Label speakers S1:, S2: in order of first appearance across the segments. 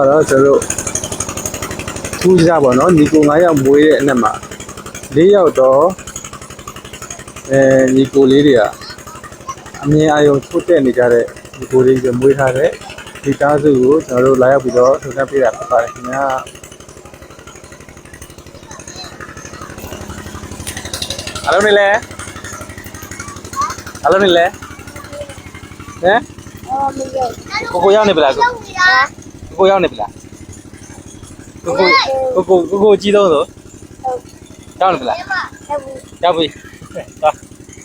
S1: ကတော့ကျွန်တော်ထူးကြပါတော့ညီကို9ယောက်မွေးတဲ့အနက်မှာ4ယောက်တော့ညီကိုလေးတွေကအမြင်အာရုံထုတ်တက်နေကြတဲ့ညီကိုလေးတွေမွေးထားတဲ့ဒီသားစုကိုကျွန်တော်တို့လာရောက်ပြီးတော့ထုတ်တက်ပေးတာဖြစ်ပါတယ်ခင်ဗျာအားလုံးနေလဲဟမ်ကိုရောက်နေပလားကိုရောက်နေပလားကိုကြီးတော့ဆိုရောက်နေပလားရောက်ပြီသွား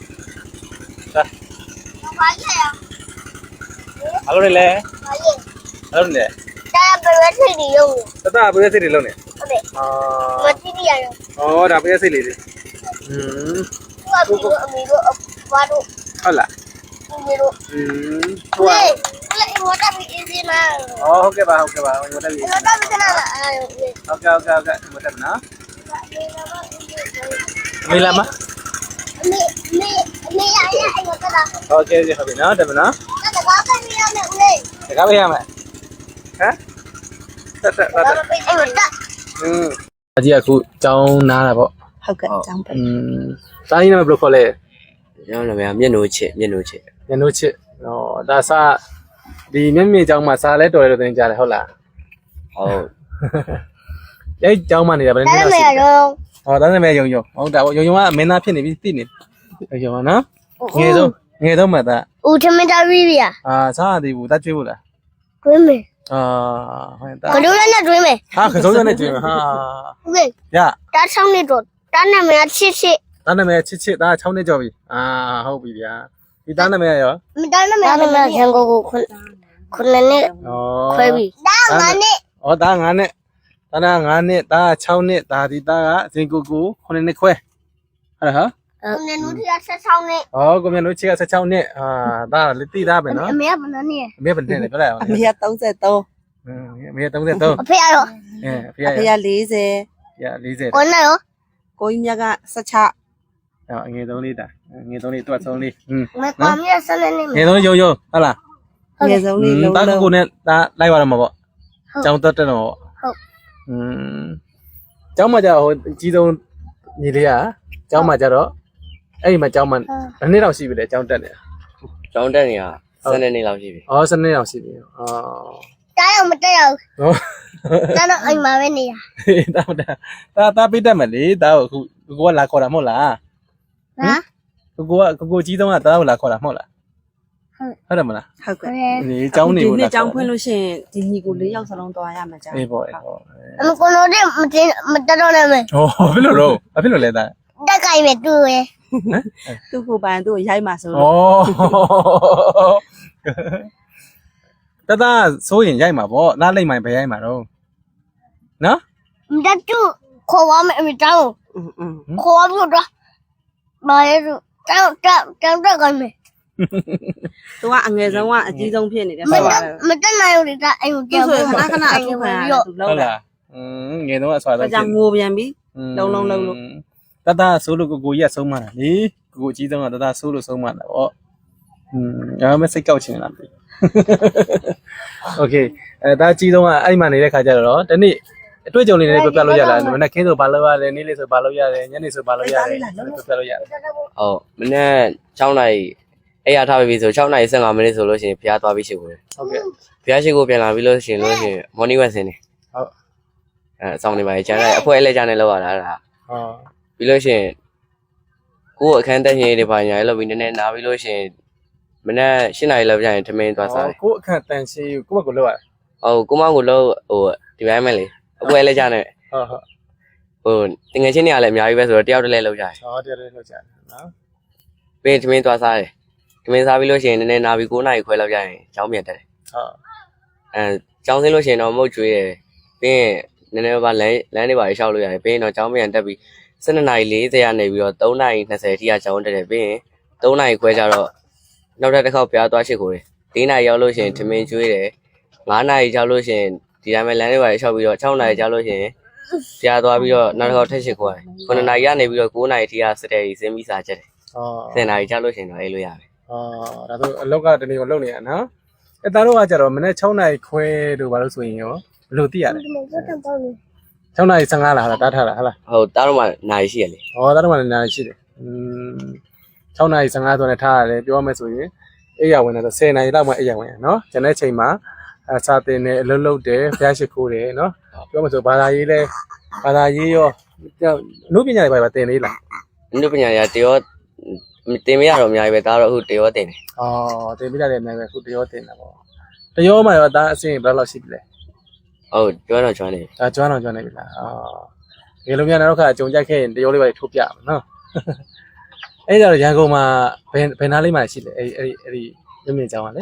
S1: အားလုံးနေလဲအားလုံးနေလဲ
S2: ဒါပဲစိတ်တွေရုံ
S1: တတပဲစိတ်တွေလုံးနေ
S2: ဟုတ်တယ်မတိတိရရော
S1: ဩဒါပဲစိတ်လေးတွေ
S2: သူကပြီးတော့အမေတို့အဘွားတို့
S1: ဟုတ်လား
S2: အမေတို့
S1: ဟိုက
S2: လေဝတ်တာပြီးအင်းစီနာ
S1: ဟုတ်ကဲ့ပါဝတ်တာပြီး
S2: ဝတ်တာပြီးနာ
S1: ဟုတ်ကဲ့ဝတ်တာနော်မေလာမ
S2: မေရရအဲ့ဝတ်တာ
S1: โอเคဟုတ်ပြီနော်တယ်မနော်
S2: တကားပဲရမယ်ဦးလေး
S1: တကားပဲရမယ်ဟမ်တက်
S2: အဲ့ဝတ်တာ
S1: အကြီးအခုကျောင်းနားတာပေါ့
S3: ဟုတ်ကဲ့ကျောင်းပဲ
S1: စာရင်းနာမည်ဘယ်လိုခေါ်လဲ
S4: ကျောင်းနာမည်မျက်နှိုးချစ်
S1: ဟောဒါစာဒီမျက်မြင်ကျောင်းမှာစာလဲတော်တယ်လို့သင်ကြားတယ်ဟုတ်လား
S4: ဟုတ်
S1: အဲ့ကျောင်းမှာနေတာဘယ်နည်းလဲဟောဒါနဲ့မဲယုံဟုတ်တာပေါ့ယုံကမင်းသားဖြစ်နေပြီသိနေယုံပါနော်ငယ်ဆုံးမှသား
S2: ဦးထမင်းသားပြီးပြီ
S1: စားရသေးဘူးတတ်ကျွေးဘူးလား
S2: တွင်းမယ်
S1: ဟုတ်တာ
S2: ကလေးနဲ့တွင်းမယ်
S1: ကစုံရနဲ့ကျွေးမယ်
S2: ဟုတ်ကဲ့
S1: ရ
S2: တားဆောင်နေတော့တားနာမည်ချစ်
S1: တားနာမည်ချစ်ဒါ6နှစ်ကျော်ပြီဟုတ်ပြီဗျာဒီတားနာမည်ရော
S2: မတားနာမည်ရန်ကုန်ကိုခုနှစ်နှစ်ခွဲပြီတား9နှစ်
S1: ဒါ9နှစ်ဒါ9နှစ်ဒါ6နှစ်ဒါဒီသားကဇင်ကို9နှစ်ခွဲဟုတ်လား
S2: ကိုမြတ်နုထရ16နှစ်
S1: ကိုမြတ်နုချီက16နှစ်ဒါလက်တိသားပဲနော်
S2: အမေကဘယ်နှစ်နှစ်
S1: အမေဘယ်နှစ်လဲပြောလိုက်အောင်
S3: အမေက33
S1: အမေက33
S2: အဖေရော
S1: အဖေက
S3: 40
S1: 40
S2: ကိုနဲ့ရော
S3: ကိုကြီးမြတ်က16
S1: အငယ်ဆုံးလေးဒါငယ်ဆုံးလေးတွတ်ဆုံးလေး
S2: မကွာမြတ်ဆက်နေနေ
S1: ငယ်ဆုံးယုံဟုတ်လား
S3: ငယ်ဆုံးလေးလုံး
S1: တာကိုနဲ့ဒါလိုက်ပါတော့မှာပေါ့ကျောင်းတက်တယ်တော့
S2: ဟုတ်
S1: ကျောင်းမှာကျတော့ဟိုအကြီးဆုံးညီလေးကကျောင်းမှာကျတော့အဲ့ဒီမှာကျောင်းမှာတစ်နှစ်လောက်ရှိပြီလေကျောင်းတက်နေတာ
S4: ကျောင်းတက်နေတာ12နှစ်လောက်ရှိပြီ
S1: 12နှစ်လောက်ရှိပြီ
S2: တားတော့မတက်ရဘူးတားတော့အိမ်မှာပဲနေရ
S1: တာပေးတတ်မယ်လေတာကိုအခုကိုကလာခေါ်တာမဟုတ်လား
S2: ဟမ်
S1: ကိုကြီးဆုံးကတာကိုလာခေါ်တာမဟုတ်လားဟုတ်တယ်မလား
S3: ဟုတ်ကဲ့
S1: ဒီကျောင်းနေ
S3: ဘူးလားဒီနှစ်ကျောင်းဖွင့်လို့ရှိရင်ဒီညီကို4ယောက်စလုံးသွားရမှာကြာ
S1: အေးပေါ့
S2: အမကိုလို့မတက်တော့လည်းမယ်
S1: ဘယ်လိုလဲတာ
S2: တက်ကြိုင်ပဲတူရယ်
S3: သူ့ကိုပိုင်သူ့ကိုရိုက်မှာဆို
S1: တဆိုးရင်ရိုက်မှာပေါ့နားလိမ့်မှပဲရိုက်မှာတော့နော်
S2: မတက်တူခေါ်ပါမယ်အမေတောင်းခေါ်ပြီးတော့မာရဲတောင်းတက်ကြိုင်မယ်
S3: သူကအငယ်ဆုံးကအကြီးဆုံးဖြစ်နေတယ်ဆိုတော့
S2: မတက်နိုင်ဘူးလေဒါအိမ်ကိုကြောက်
S3: ခဏအထုခံရသူ
S1: ဟုတ်လားငယ်တော့အဆွာတော့
S3: ကြာငိုပြန်ပြီလုံးလုံးလုံးလို့
S1: ဆိုးလို့ကိုကြီးကဆုံးမတာလေကိုကြီးဆုံးကဆိုးလို့ဆုံးမတာပေါ့ဒါမှမစိတ်ကောက်ချင်လားပြီโอเคဒါကြီးဆုံးကအဲ့မှာနေတဲ့ခါကျတော့တနေ့အတွေ့အကြုံလေးတွေပြလို့ရလားမနေ့ခင်းဆိုဘာလုပ်ရလဲနေ့လေးဆိုဘာလုပ်ရတယ်ညနေဆိုဘာလုပ်ရတယ်ပြလို့ရတယ်
S4: ဟုတ်မနေ့6နာရီအဲ့ရထားပြီဆို6နာရီ15မိနစ်ဆိုလို့ရှိရင်ဖျားသွားပြီးရှိကိုတယ်
S1: ဟုတ်ကဲ့
S4: ဖျားရှိကိုပြန်လာပြီးလို့ရှိရင်morning walk ဆင်းနေ
S1: ဟုတ်
S4: အဆောင်နေပါလေကျန်တဲ့အဖွဲအလဲကျန်နေလောက်ရတာဒါပြီးလို့ရှိရင်ကိုအခန်းတက်ရင်တွေပါညာလောက်ပြီးနည်းနည်းနားပြီးလို့ရှိရင်မနေ့7နာရီလောက်ပြန်ရင်ထမင်းသွားစားတယ်
S1: ကိုအခန်းတန်ရှင်းကိုမကိုလောက်ရ
S4: ဟုတ်ကိုမကိုလောက်ဟိုဒီပိုင်းမဲ့လေအဖွဲလဲကျန်နေ
S1: ဟုတ်
S4: ဟိုတငယ်ချင်းတွေကလည်းအများကြီးပဲဆိုတော့တယောက်တည်းလဲလောက်ကြတယ်
S1: တယောက်တည်းလောက်ကြတယ်နော်
S4: ပြီးထမင်းသွားစားတယ်ထမင်းစားပြီးလို့ရှိရင်နည်းနည်းနားပြီး9နာရီခွဲလောက်ကြရင်ကျောင်းပြန်တက်တယ်
S1: ဟုတ်
S4: ကျောင်းဆင်းလို့ရှိရင်တော့မုတ်ကျွေးတယ်ပြီးရင်နည်းနည်းပါလမ်းတွေပါရှောက်လို့ရတယ်ပြီးရင်တော့ကျောင်းပြန်တက်ပြီး12:40ကနေပြီးတော့3:20အထိကကျောင်းတက်တယ်ပြီးရင်3နာရီခွဲကျတော့နောက်တစ်ခါပြားသွားရှိခိုးတယ်4နာရီရောက်လို့ရှိရင်ထမင်းကျွေးတယ်5နာရီကျောက်လို့ရှိရင်ဒီတိုင်းပဲလမ်းတွေပါရှောက်ပြီးတော့6နာရီကျောက်လို့ရှိရင်ပြားသွားပြီးတော့နောက်တစ်ခါထက်ရှိခိုးတယ်9နာရီကနေပြီးတော့9နာရီအထိကစတဲ့စင်းပြီးစားချက်တယ်10နာရီကျောက်လို့ရှိရင်တော့အေးလို့ရတယ်
S1: ဒါဆိုအလောက်ကတနေ့ကိုလုပ်နေရနော်သားတို့ကကြတော့မနေ့6နာရီခွဲတို့ဘာလို့ဆိုရင်ရောဘယ်လိုသိရလဲ
S2: ဒီမှာတော့တောင်းနေ
S1: 6နာရီ15လားဟာတားထားလားဟာလား
S4: ဟုတ်တားတော့မှနိုင်ရှိရလေ
S1: ဟောတားတော့မှလည်းနားရှိတယ်6နာရီ15ဆိုနဲ့ထားရတယ်ပြောမယ်ဆိုရင်အိယာဝင်တော့10နာရီလောက်မှအိယာဝင်ရနော်ကျန်တဲ့ချိန်မှာစာတင်တယ်အလုပ်လုပ်တယ်ဖျားရှိခိုးတယ်နော်ပြောမှဆိုဘာသာရေးလဲဘာသာရေးရောအမှုပညာတွေပါတင်လေးလား
S4: အနုပညာရတရောတင်မရတော့အများကြီးပဲဒါတော့အခုတရောတင်တယ်
S1: အော်တင်ပြရတယ်အများပဲခုတရောတင်တာပေါ့တရောမှရောဒါအဆင့်ဘယ်လောက်ရှိပြီလဲ
S4: ဟုတ်ကျွမ်းတော့ကျွမ်းနေ
S1: ဒါကျွမ်းနေပြီလားအော်ဒီလိုများနောက်ခါအကြုံကြိုက်ခဲ့ရင်တရောလေးပါထိုးပြမှာနော်အဲ့ဒါတော့ရန်ကုန်မှာဘယ်နားလေးမှာရှိလဲအဲ့ဒီမြင့်ကျောင်းကလေ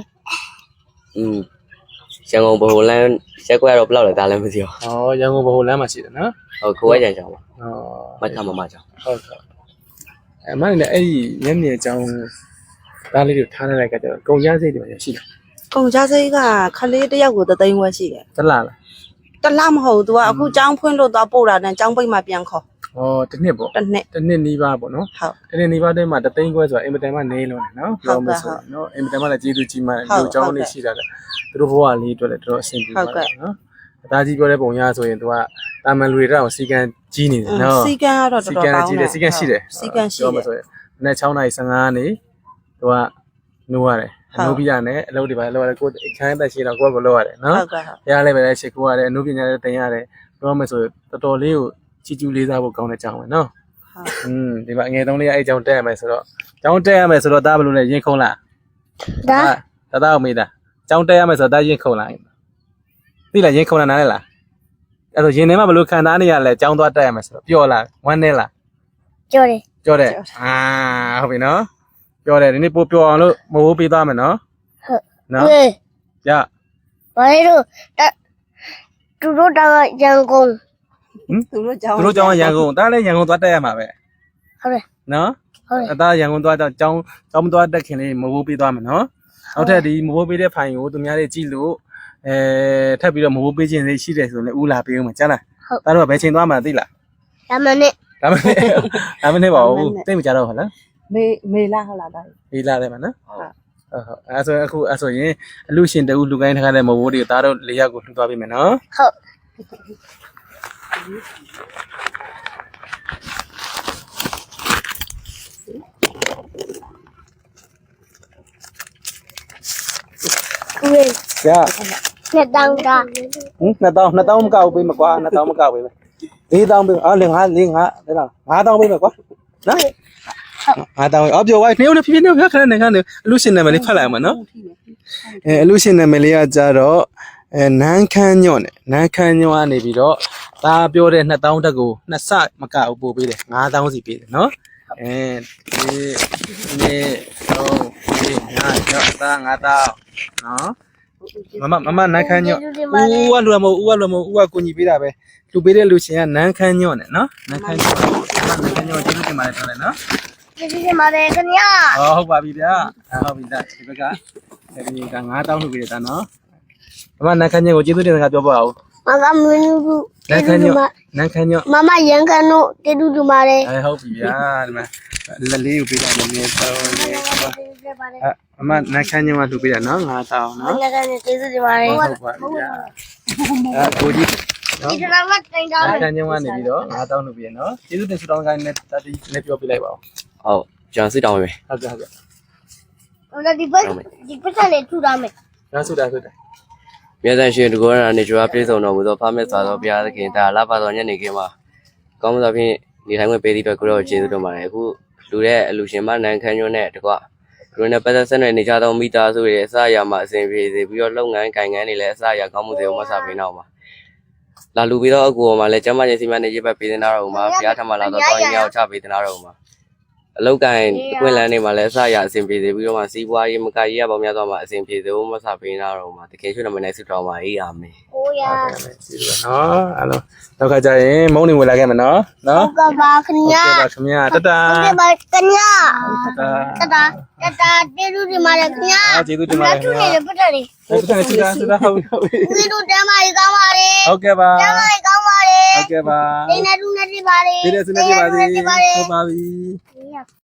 S4: ရန်ကုန်ဘိုလန်းရက်ကွက်တော့ဘယ်လောက်လဲဒါလည်းမသိဘူး
S1: အော်ရန်ကုန်ဘိုလမ်းမှာရှိတယ်နော်
S4: ဟုတ်ကိုယ်ရကြအောင်ပါ
S1: အော်
S4: မချကြောင်
S1: ဟုတ်အမှန်နဲ့အဲ့ဒီမျက်မြင်အကြောင်းဒါလေးတွေထားနေတဲ့ကကြတော့ကုန်ရစိတ်တွေရှိတယ်
S3: ကုန်ကြစိတ်ကခလေးတစ်ယောက်ကို3သိန်းဝက်ရှိတယ်
S1: တလားလား
S3: တလားမဟုတ် तू ကအခုចောင်းဖွင့်လို့သွားပို့တာနဲ့ចောင်းပိတ်မှပြန်ခေါ်
S1: ဩတစ်နှစ်ပေါ့
S3: တစ်နှစ်
S1: တစ်နှစ်နီးပါးပေါ့နော်
S3: ဟုတ်
S1: တစ်နှစ်နီးပါးတည်းမှာတသိန်းခွဲဆိုတာအင်မတန်မှနေလုံးတယ်နော်ပြောမဆိုနော်အင်မတန်မှလည်းကျေးဇူးကြီးမှန်တယ်ဒီအကြောင်းလေးရှိတာလေသူတို့ဘဝလေးအတွက်လည်းတော်တော်အဆင်ပြေပါတယ်နော်အသားကြီးပြောတဲ့ပုံရဆိုရင် तू ကတာမန်လူတွေတော့စီကံကြီးနေတယ်နော်
S3: စီကံကတော့တော်တော်ကောင်းတယ်
S1: စီကံရှိတယ်
S3: စီကံရှိ
S1: ပြောမ
S3: တယ်
S1: ဆိုရင်မနေ့6နာရီ15နေ तू ကနိုးရတယ်နိုးပြီးရတယ်အလုပ်တွေပါလုပ်ရတယ်ကိုအခန်းသက်ရှိတော့ကိုယ့်ကိုလုပ်ရတယ်နော်
S3: ဟုတ်ကဲ့ဟုတ်
S1: ရလည်းပဲလည်းရှစ်ခိုးရတယ်အနုပညာလည်းတင်ရတယ်ပြောမယ်ဆိုတော်တော်လေးကိုချီကျူးလေးစားဖို့ကောင်းတဲ့ကြောင်းပဲနော်ဒီမှာအငယ်ဆုံးလေးအဲ့ကြောင်းတက်ရမယ်ဆိုတော့ကြောင်းတက်ရမယ်ဆိုတော့ဒါဘယ်လိုလဲရင်ခုံလား
S2: ဒါ
S1: ဒါမေးတာကြောင်းတက်ရမယ်ဆိုတော့ဒါရင်ခုံလားသိလားရင်ခုံလားနားလဲလားအဲ့တော့ရင်ထဲမှာဘယ်လိုခံစားနေရလဲကြောင်းသွားတက်ရမယ်ဆိုတော့ပျော်လားဝမ်းနေလား
S2: ကြော်တယ်
S1: ပြောတယ်ဟုတ်ပြီနော်ပြောတယ်ဒီနေ့ပို့ပြောအောင်လို့မဟုတ်ပေးသွားမယ်နော်
S2: ဟုတ်
S1: နော်
S2: ဟေး
S1: ရ
S2: ဘာလို့သူတို့တောင်းရန်ကုန်
S3: သူတို့ចောင်း
S1: သူတို့ကြောင်းရန်ကုန်ဒါလည်းရန်ကုန်သွားတက်ရမှာပဲ
S2: ဟုတ်တယ်
S1: နော်
S2: ဟုတ်တယ်
S1: အသားရန်ကုန်သွားတော့ကြောင်းမသွားတက်ခင်လေးမဟုတ်ပေးသွားမယ်နော်နောက်ထပ်ဒီမဟုတ်ပေးတဲ့ဖိုင်ကိုသူများတွေကြည့်လို့ထပ်ပြီးတော့မဟုတ်ပေးခြင်းလေးရှိတယ်ဆိုရင်ဦးလာပေးဦးမှာကြားလားဒါတော့ဘယ်ချိန်သွားမှာသိလား
S2: ဒါမှနဲ့
S1: ဒါမှမဟုတ်ပါဘူးသိမကြတော့ဟုတ်လား
S3: မေလာဟုတ်လားဒါ
S1: ဒီလာတယ်မှာနော်ဟုတ်အဲ့ဆိုအခုအဲ့ဆိုရင်အလူရှင်တူလူကိုင်းထားတဲ့မဟုတ်တွေကိုဒါတော့၄ယောက်ကိုလှူသွားပေးမယ်နော်
S2: ဟုတ် ဝေး
S1: ရ
S2: နဲ့တောင်းတာ
S1: 2000မကောက်ပေးမကွာ2000မကောက်ပေးမယ်4000ပေးအော်လေ5ဒါလား5000ပေးမယ်ကွာနော်5000အော်ပြောဝိုင်းနေဦးလေဖြည်းဖြည်းနေခဏနေခဏနေအလူရှင်နာမည်လေးဖတ်လိုက်အောင်နော်အလူရှင်နာမည်လေးကကြတော့နန်းခမ်းညော့နဲ့နန်းခမ်းညော့ကနေပြီးတော့ဒါပြောတဲ့2000တက်ကိုနှစ်ဆမကောက်ပို့ပေးတယ်5000စီပေးတယ်နော်ဒီတော့ဒါ5000နော်မမနန်းခမ်းညော့ဦးကလူမဟုတ်ဦးကကိုညီပေးတာပဲလူပေးတဲ့လူရှင်ကနန်းခမ်းညော့နဲ့နော်နန်းခမ်းညော့ကျေးဇူးတင်ပါတယ်ထားလိုက်နော်
S2: ကျေးဇူးတင်ပါတယ်ခင်ဗျာ
S1: ဟုတ်ပါပြီဗျာဟုတ်ပြီဒါဒီဘက်ကဒီက9000လူပေးတယ်ဒါနော်မမနန်းခမ်းညော့ကိုကျေးဇူးတင်စကားပြောပါဦး
S2: မကမင်းတို့
S1: နန်းခမ်းညော့
S2: မမရန်ကန်တို့ကျေးဇူးတင်ပါတယ်
S1: ဟုတ်ပြီဗျာဒီမှာလက်လေးကိုပေးတာလည်းတော့မနန်းခမ်းညော့ကလူပေးတာနော်9000နော်
S2: မကလည်းကျေးဇူးတင်ပါတယ်
S1: ဟုတ်ပါပြီဗျာကိုကြီးနော်
S2: ဒီတော့မတင်တာ
S1: နန်းခမ်းညော့ကနေပြီးတော့9000လူပေးရနော်ကျေးဇူးတင်ဆုတောင်းခိုင်းနဲ့တတိနဲ့ပြောပြလိုက်ပါဦး
S4: ဟုတ်ကျွန်တော်စစ်တောင်းပဲ
S1: ဟုတ်ကဲ့
S2: ဟိုဒီပတ်စံလေးထူတာမယ်
S1: ရဆုတာ
S4: မြတ်တန်ရှင်တကောရနေကျွားပြေဆုံးတော်မူသောဖမက်စွာသောဘုရားသခင်ဒါလာပါတော်ညနေခင်းမှာကောင်းမှုသောဖြင့်နေထိုင်ခွင့်ပေးသည့်အတွက်ကိုရောကျေးဇူးတင်ပါတယ်အခုလူတဲ့အလူရှင်မနန်းခမ်းညွန်းနဲ့တကွလူနဲ့ပတ်သက်ဆက်နွယ်နေကြသောမိသားစုတွေအစအရာမှာအစဉ်ပြေစေပြီးတော့လုပ်ငန်းကိုင်ငန်းတွေလည်းအစအရာကောင်းမှုတွေမဆပေးတော့ပါလာလူပြီးတော့အကူပေါ်မှာလည်းကျမချင်းစီမံနေရေးပဲပေးနေတာတော့မှာဘုရားထမလာတော့တောင်းရင်ရောက်ချပေးနေတာတော့မှာအလောက်ကိုင်ကွင်းလန်းတွေမှာလည်းအစအရာအစဉ်ပြေစေပြီးတော့မှစီးပွားရေးမကရေးရပေါင်းများသွားမှာအစဉ်ပြေစေဖို့မဆပေးနေတာတော့မှာတကယ်ရွှေ့နမနိုင်ဆုတောင်းပါအာမင်
S2: ကိုရ
S1: ကျေးဇူးပါနော်အားလုံးနောက်ခါကျရင်မုန်းနေဝင်လာခဲ့မယ်နော်နော်
S2: ကပါခင်ဗျာ
S1: ဟုတ်ကဲ့ပါခင်ဗျာတတ
S2: ဟုတ်ကဲ့ပါခင်ဗျာ
S1: တတ
S2: တကျေးဇူးတင်ပါတယ်ခင်ဗျာ
S1: ကျေးဇူးတင်ပါတယ်
S2: ထူနေတယ်ပတ်တယ်လေ
S1: ဟုတ်ကဲ့ကျေးဇူးဟုတ်ပြီ
S2: ဒီတို့တမ်းပါကောင်းပါလေ
S1: ဟုတ်ကဲ့ပါ
S2: တမ်းပါကောင်းပါလေ
S1: ဟုတ်ကဲ့ပါ
S2: နေနေတူနေပါလေ
S1: ဒီတဲ့စနေပါစေဟုတ်ပါပြီ